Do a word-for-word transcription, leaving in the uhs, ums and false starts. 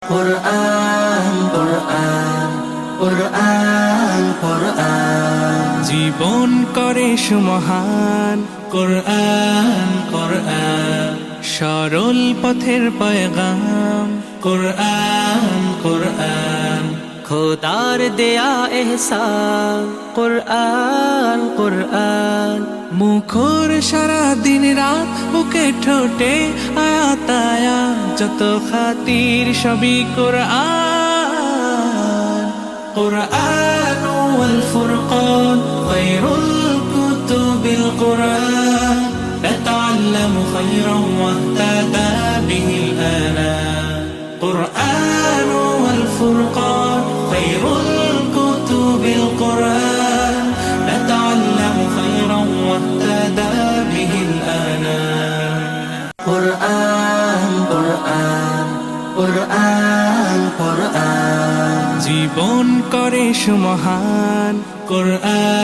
কুরআন কুরআন কুরআন কুরআন জীবন করে সুমহান। কুরআন কুরআন সরল পথের পয়গাম। কুরআন কুরআন খোদার দেয়া এহসান। কুরআন কুরআন মুখর সারা দিন রাত, বুকে ঠোঁটে আয়াত আয়াত, যত খাতির সবই কুরআন। قرآن والفرقان خير الكتب القرآن نتعلم خيرا واهتدى به الآنام قرآن والفرقان خير الكتب القرآن نتعلم خيرا واهتدى به الآنام قرآن قرآن قرآن قرآن জীবন করে সুমহান। কুরআন